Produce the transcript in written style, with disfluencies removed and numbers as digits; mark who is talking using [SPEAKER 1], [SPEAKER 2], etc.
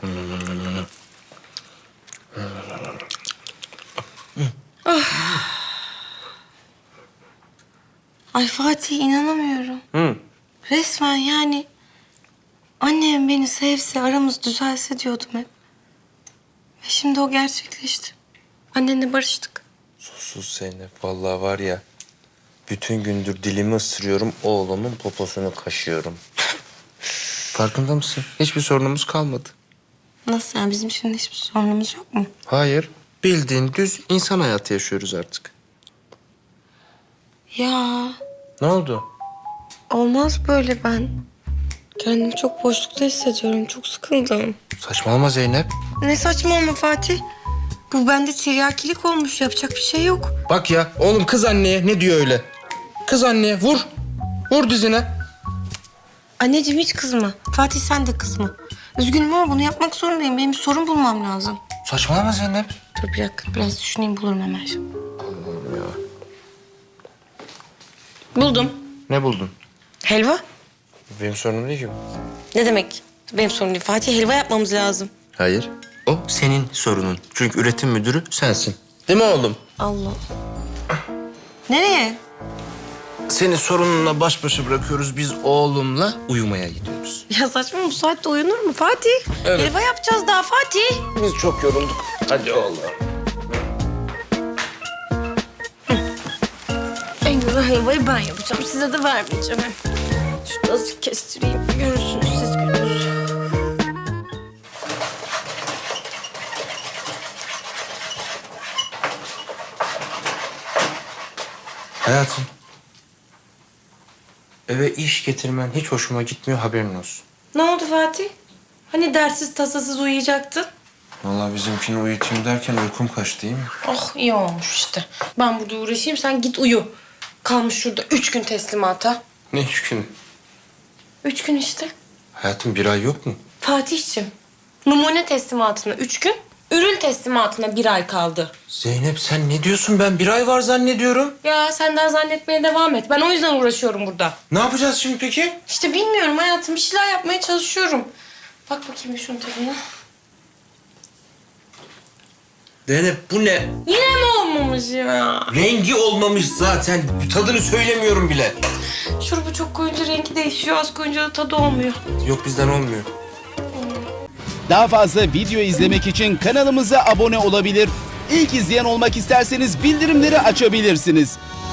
[SPEAKER 1] Ay Fatih inanamıyorum. Resmen yani annem beni sevse, aramız düzelse diyordum hep. Ve şimdi o gerçekleşti. Annenle barıştık.
[SPEAKER 2] Sus Zeynep. Vallahi var ya, bütün gündür dilimi ısırıyorum, oğlumun poposunu kaşıyorum. Farkında mısın? Hiçbir sorunumuz kalmadı.
[SPEAKER 1] Nasıl yani, bizim şimdi hiçbir sorunumuz yok mu?
[SPEAKER 2] Hayır. Bildiğin düz insan hayatı yaşıyoruz artık.
[SPEAKER 1] Ya
[SPEAKER 2] Ne oldu?
[SPEAKER 1] olmaz böyle ben. Kendimi çok boşlukta hissediyorum. Çok sıkıldım.
[SPEAKER 2] Saçmalama Zeynep.
[SPEAKER 1] Ne saçmalama Fatih. Bu bende tiryakilik olmuş. Yapacak bir şey yok.
[SPEAKER 2] Bak ya, oğlum kız anneye ne diyor öyle? Kız anneye vur. Vur dizine.
[SPEAKER 1] Anneciğim hiç kızma. Fatih sen de kızma. Üzgünüm ama bunu yapmak zorundayım. Benim bir sorun bulmam lazım.
[SPEAKER 2] Saçmalama Zeynep.
[SPEAKER 1] Dur bir dakika. Biraz düşüneyim, bulurum hemen şimdi.
[SPEAKER 2] Allah'ım ya.
[SPEAKER 1] Buldum.
[SPEAKER 2] Ne buldun?
[SPEAKER 1] Helva.
[SPEAKER 2] Benim sorunum değil ki bu.
[SPEAKER 1] Ne demek? Benim sorunum değil. Fatih, helva yapmamız lazım.
[SPEAKER 2] Hayır. O senin sorunun. Çünkü üretim müdürü sensin. Değil mi oğlum?
[SPEAKER 1] Allah. Nereye?
[SPEAKER 2] Seni sorununla baş başa bırakıyoruz. Biz oğlumla uyumaya gidiyoruz.
[SPEAKER 1] Ya saçma, bu saatte uyunur mu Fatih?
[SPEAKER 2] Evet.
[SPEAKER 1] Helva yapacağız daha Fatih.
[SPEAKER 2] Biz çok yorulduk. Hadi oğlum.
[SPEAKER 1] En güzel helvayı ben yapacağım. Size de vermeyeceğim. Şunu azıcık kestireyim. Görürsünüz siz gününüzü.
[SPEAKER 2] Hayatım. Eve iş getirmen hiç hoşuma gitmiyor, haberin olsun.
[SPEAKER 1] Ne oldu Fatih? Hani dersiz tasasız uyuyacaktın?
[SPEAKER 2] Vallahi bizimkini uyutayım derken uykum kaçtı, değil mi?
[SPEAKER 1] Oh iyi olmuş işte. Ben burada uğraşayım, sen git uyu. Kalmış şurada 3 gün teslimata.
[SPEAKER 2] Ne 3 gün?
[SPEAKER 1] 3 gün işte.
[SPEAKER 2] Hayatım, bir ay yok mu?
[SPEAKER 1] Fatih'ciğim, numune teslimatına 3 gün, ürün teslimatına 1 ay kaldı.
[SPEAKER 2] Zeynep sen ne diyorsun? Ben bir ay var zannediyorum.
[SPEAKER 1] Ya senden zannetmeye devam et. Ben o yüzden uğraşıyorum burada.
[SPEAKER 2] Ne yapacağız şimdi peki?
[SPEAKER 1] İşte bilmiyorum hayatım. Bir şeyler yapmaya çalışıyorum. Bak bakayım bir şunun tadına.
[SPEAKER 2] Zeynep bu ne?
[SPEAKER 1] Yine mi olmamış ya?
[SPEAKER 2] Rengi olmamış zaten. Tadını söylemiyorum bile.
[SPEAKER 1] Şurubu çok koyunca rengi değişiyor. Az koyunca da tadı olmuyor.
[SPEAKER 2] Yok, bizden olmuyor.
[SPEAKER 3] Daha fazla video izlemek için kanalımıza abone olabilir. İlk izleyen olmak isterseniz bildirimleri açabilirsiniz.